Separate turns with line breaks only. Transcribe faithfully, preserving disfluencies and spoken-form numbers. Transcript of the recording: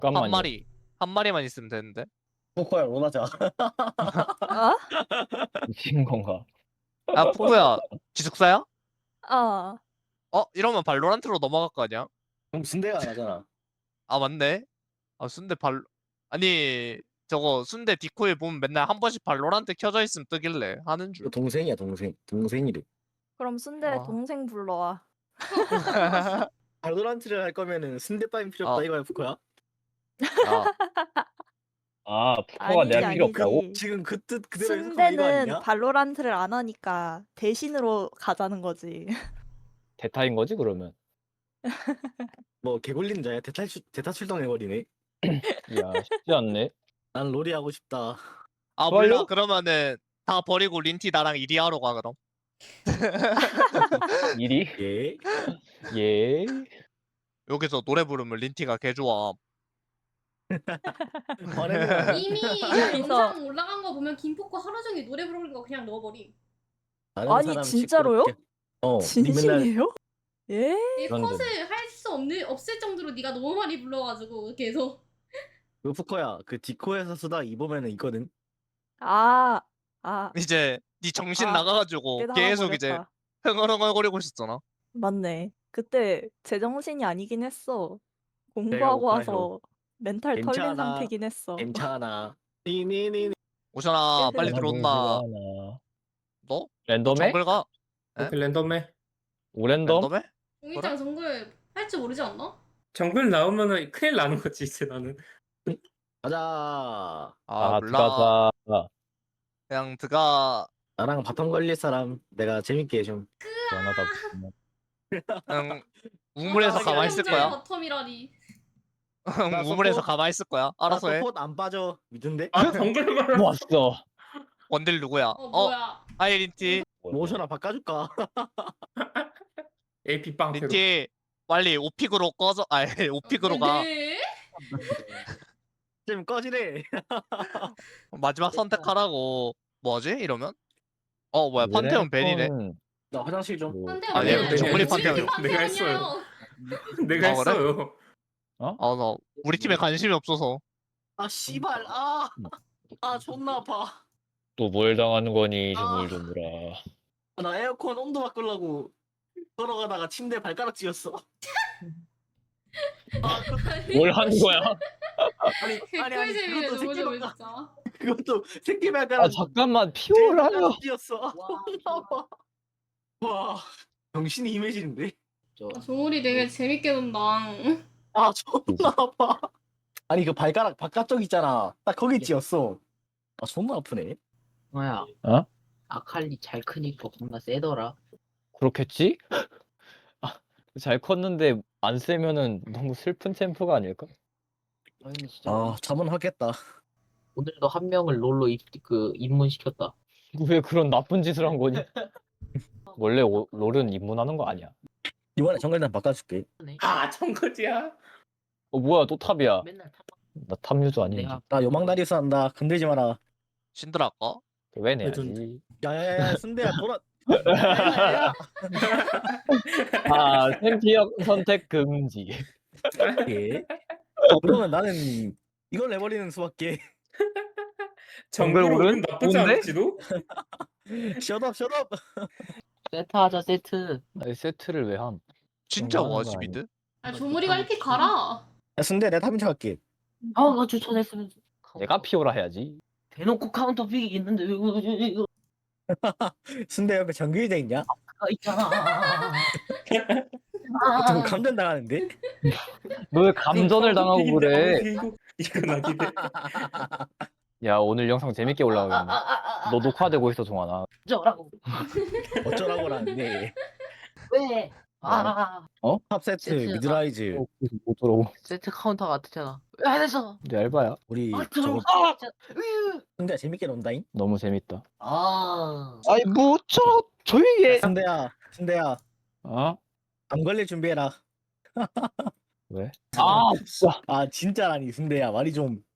한
잠깐만요.
마리 한 마리만 있으면 되는데.
포커야 원하자.
어?
미친 건가?
아 푸꾸야 기숙사야?
어.
어 이러면 발로란트로 넘어갈 거 아니야?
그럼 순대가 안 하잖아.
아 맞네. 아 순대 발 아니 저거 순대 디코에 보면 맨날 한 번씩 발로란트 켜져 있으면 뜨길래 하는 줄.
그 동생이야 동생. 동생이래.
그럼 순대
아.
동생 불러와.
발로란트를 할 거면은 순대빵이 필요 없다
아.
이거야 포커야.
아
아 푸커가
아니지,
내가 필요
아니지.
없다고?
지금 그 뜻 그대로 해석하면 이거
순대는
아니냐?
발로란트를 안 하니까 대신으로 가자는 거지.
대타인 거지 그러면?
뭐 개굴린 자야 대타 출 대타 출동해버리네.
야 쉽지 않네.
난 롤이 하고 싶다.
아
좋아요?
몰라 그러면은 다 버리고 린티 나랑 이리 하러 가 그럼.
일이?
예.
예.
여기서 노래 부르면 린티가 개 좋아.
화내는
이미
여기서-
영상 올라간 거 보면 김포코 하루 종일 노래 부르는 거 그냥 넣어버림.
아는
아니,
사람
진짜로요?
시끄럽게. 어. 니 맨날
진심이에요? 예?
이
그런데.
컷을 할 수 없는 없을 정도로 네가 너무 많이 불러가지고 계속.
그 포커야 그 디코에서 쓰다 입으면은 있거든.
아, 아,
이제 네 정신
아,
나가가지고
깨달아
계속 이제
버렸다.
흥얼흥얼거리고 있었잖아.
맞네. 그때 제정신이 아니긴 했어. 공부하고
배고파요.
와서 멘탈 털린
괜찮아.
상태긴 했어.
괜찮아. 니니니.
오션아 빨리
네.
들어온다.
하나.
너?
랜덤에?
정글 가? 에?
오케이, 랜덤에
오랜덤?
랜덤에?
종이장 정글 할 줄 모르지 않나?
정글 나오면은 큰일 나는 거지 이제 나는.
가자.
아
아
몰라.
들어가자.
그냥 드가
나랑 바텀 걸릴 사람 내가 재밌게 해줌.
시원하다. 보면.
그냥 우물에서
아,
가만히 있을
형제
거야.
바텀이라니.
나
우물에서
서포-
가만히 있을 거야. 알아서 해.
서포트 안 빠져. 믿은데?
아 정글만.
뭐 왔어.
원딜 누구야?
어
어?
뭐야?
하이 린티.
모션아 바꿔줄까?
에이피 빵.
린티 빨리 오픽으로 꺼져. 아 오픽으로 가.
네?
좀 꺼지래.
마지막 선택하라고. 뭐지? 이러면? 어 뭐야 판테온 벤이네.
음,
나 화장실 좀.
뭐,
판테온
아니,
아니야.
정글이
판테온
판테온.
내가 했어요. 내가
아, 그래?
했어요.
아 나 우리 팀에 관심이 없어서.
아 씨발. 아. 아 존나 아파.
또 뭘 당하는 거니
아.
조물조물아.
아, 나 에어컨 온도 바꾸려고 걸어가다가 침대 발가락 찧었어. 아, 그,
뭘 하는 거야?
아니 아니 아니
개꿀잼이네
그것도
너무
새끼
좋아
발가락
진짜.
그것도 새끼
아
발가락
잠깐만 피오라요.
찧었어. 와 정신이 희미해지는데.
아, 조물이 되게 재밌게 논다.
아 존나 아파. 아니 그 발가락 바깥쪽 있잖아. 딱 거기 찧었어. 아 존나 아프네.
뭐야?
어?
아칼리 잘 크니까 겁나 세더라.
그렇겠지? 아, 잘 컸는데 안 세면은 너무 슬픈 챔프가 아닐까?
아니 진짜
아 자문하겠다.
오늘도 한 명을 롤로 입, 그 입문시켰다.
왜 그런 나쁜 짓을 한 거니? 원래 오, 롤은 입문하는 거 아니야?
이번에 정글단 바꿔줄게.
아 정글이야.
어 뭐야 또 탑이야?
맨날 탑
나 탑유저 아닌지.
내가
나 요망다리스 한다. 건들지 마라.
신드라 할까?
왜 내야지?
야야야 순대야 돌아.
아 챔피언 선택 금지.
예. 그러면 나는 이걸 내버리는 수밖에.
정글
정글
오른
오른?
나쁘지
뭔데?
않을지도.
셧업 셧업.
세트 하자 세트.
아니, 세트를 왜 함?
진짜
정말 하는 거
와지 미드?
아 조물이가 일 픽 가라.
야 순대 내가 탑인척 할게.
아나 추천했으면.
내가 피오라 해야지.
대놓고 카운터 픽이 있는데 왜 이거 이거
순대 옆에 정글대 있냐?
가 있잖아.
좀 감전 당하는데?
너 왜 감전을 당하고 그래?
이거 이거 나기네.
야 오늘 영상 재밌게 올라오겠네. 너 녹화되고 있어 종아나.
저라고.
어쩌라고라는데.
왜? 아
탑 세트
세트.
미드라이즈
어, 그래서 못 들어오고.
세트 카운터 같았잖아. 왜 안 했어?
내 알바야.
우리
아
저거
들어가. 으.
순대야 재밌게 논다잉?
너무 재밌다.
아.
아이 뭐저 조용히 해.
순대야 순대야
어?
안 걸릴 준비해라.
왜? 아 진짜.
아 진짜라니 순대야 말이 좀